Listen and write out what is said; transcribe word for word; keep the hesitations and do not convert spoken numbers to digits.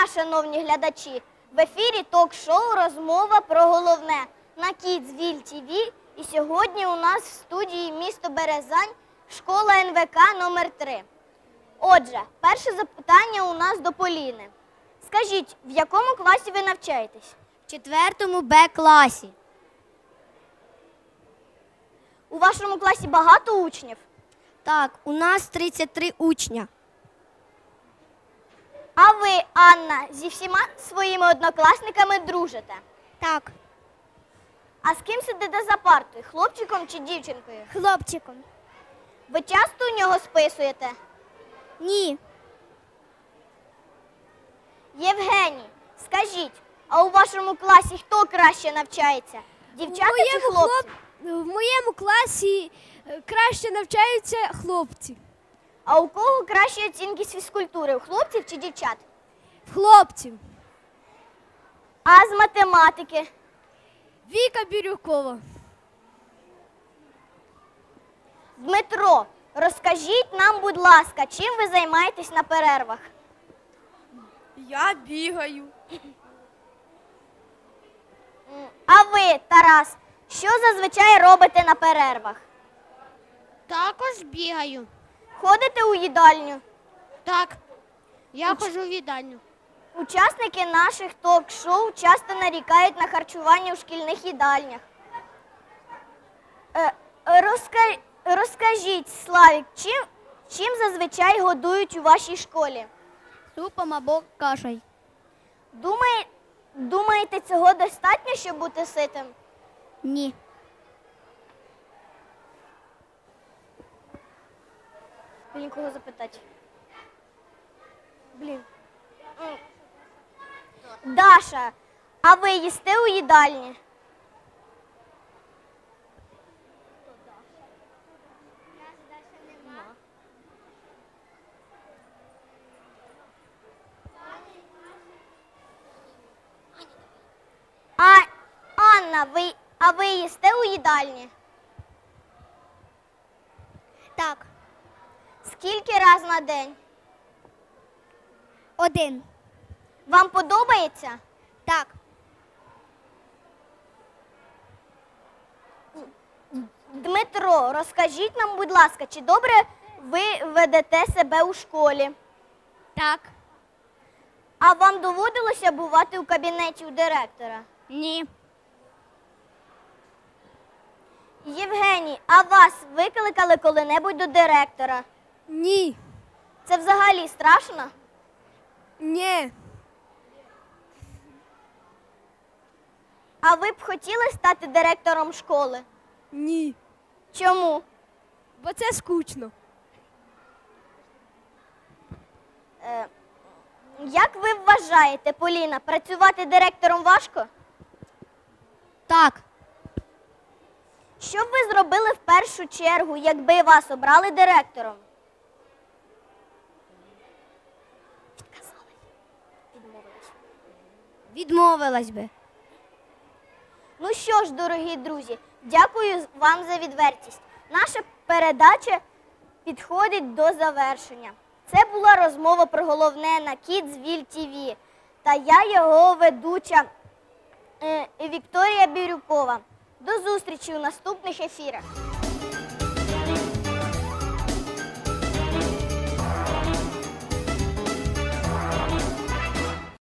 шановні глядачі! В ефірі ток-шоу «Розмова про головне» на Kidsville ті ві. І сьогодні у нас в студії місто Березань, школа ен ве ка номер три. Отже, перше запитання у нас до Поліни. Скажіть, в якому класі ви навчаєтесь? В четвертому Б класі. У вашому класі багато учнів? Так, у нас тридцять три учня. А ви, Анна, зі всіма своїми однокласниками дружите? Так. А з ким сидите за партою, хлопчиком чи дівчинкою? Хлопчиком. Ви часто у нього списуєте? Ні. Євгеній, скажіть, а у вашому класі хто краще навчається? Дівчата чи хлопці? Хлоп... В моєму класі е, краще навчаються хлопці. А у кого кращі оцінки з фізкультури, у хлопців чи дівчат? В хлопців. А з математики? Віка Бірюкова. Дмитро, розкажіть нам, будь ласка, чим ви займаєтесь на перервах? Я бігаю. А ви, Тарас, що зазвичай робите на перервах? Також бігаю. Ходите у їдальню? Так. Я ходжу в їдальню. Учасники наших ток-шоу часто нарікають на харчування у шкільних їдальнях. Е, розка... Розкажіть, Славік, чим, чим зазвичай годують у вашій школі? Супом або кашею. Думає... Думаєте, цього достатньо, щоб бути ситим? Ні. Блін, кого запитати? Блін. М. Даша, а ви їсте у їдальні? А, Анна, ви, а ви їсте у їдальні? Так. Скільки раз на день? Один. Вам подобається? Так. Дмитро, розкажіть нам, будь ласка, чи добре ви ведете себе у школі? Так. А вам доводилося бувати у кабінеті у директора? Ні. Євгеній, а вас викликали коли-небудь до директора? Ні. Це взагалі страшно? Ні. А ви б хотіли стати директором школи? Ні. Чому? Бо це скучно. Е, як ви вважаєте, Поліна, працювати директором важко? Так. Що б ви зробили в першу чергу, якби вас обрали директором? Відказали. Відмовились. Відмовилась би. Ну що ж, дорогі друзі, дякую вам за відвертість. Наша передача підходить до завершення. Це була розмова про головне на Kidsville ті ві. Та я його ведуча е, Вікторія Бірюкова. До зустрічі у наступних ефірах.